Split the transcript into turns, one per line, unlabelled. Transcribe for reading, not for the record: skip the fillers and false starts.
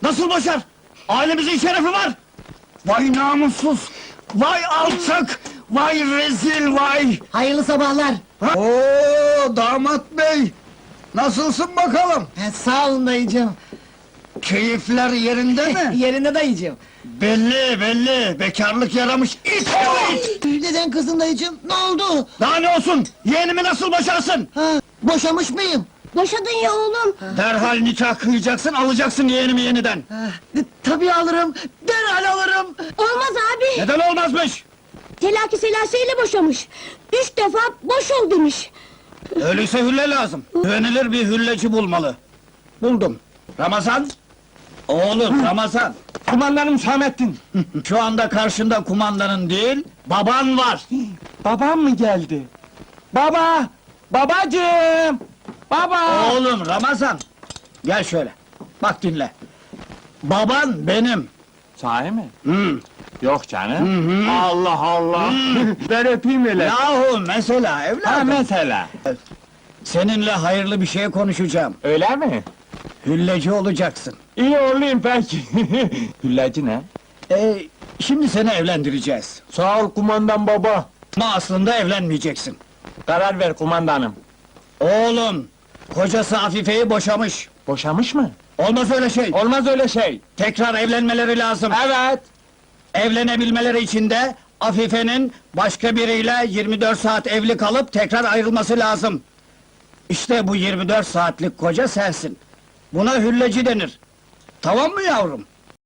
Nasıl boşar? Ailemizin şerefi var! Vay namussuz! Vay alçak! Vay rezil vay!
Hayırlı sabahlar.
Oo damat bey! Nasılsın bakalım?
Sağ olun dayıcığım.
Keyifler yerinde mi?
Yerinde dayıcığım.
Belli belli! Bekarlık yaramış it oğlu it!
Neden kızın dayıcığım? Ne oldu?
Daha ne olsun? Yeğenimi nasıl boşarsın?
Ha, boşamış mıyım?
Boşadın ya oğlum.
Derhal nikah kıyacaksın, alacaksın yeğenimi yeniden!
Tabii alırım, derhal alırım.
Olmaz abi.
Neden olmazmış?
Telaki selaseyle boşamış. 3 defa boş ol demiş.
Öyleyse hülle lazım. Güvenilir bir hülleci bulmalı. Buldum. Ramazan! Oğlum Ramazan!
Kumandanım Hüsamettin.
Şu anda karşında kumandanın değil, baban var!
Babam mı geldi? Baba! Babacığım! Baba!
Oğlum Ramazan! Gel şöyle, bak dinle. Baban benim!
Sahi mi?
Hı.
Yok canım. Allah Allah! Ben öpeyim öyle.
Yahu mesela
Ha
evladım!
mesela.
Seninle hayırlı bir şey konuşacağım.
Öyle mi?
Hülleci olacaksın.
İyi olayım peki. Hüllacı ne?
Şimdi seni evlendireceğiz.
Sağ ol kumandan baba.
Ama aslında evlenmeyeceksin.
Karar ver kumandanım.
Oğlum, kocası Afife'yi boşamış.
Boşamış mı?
Olmaz öyle şey.
Olmaz öyle şey.
Tekrar evlenmeleri lazım.
Evet.
Evlenebilmeleri için de Afife'nin başka biriyle 24 saat evli kalıp tekrar ayrılması lazım. İşte bu 24 saatlik koca sensin. Buna hülleci denir. Tamam mı yavrum?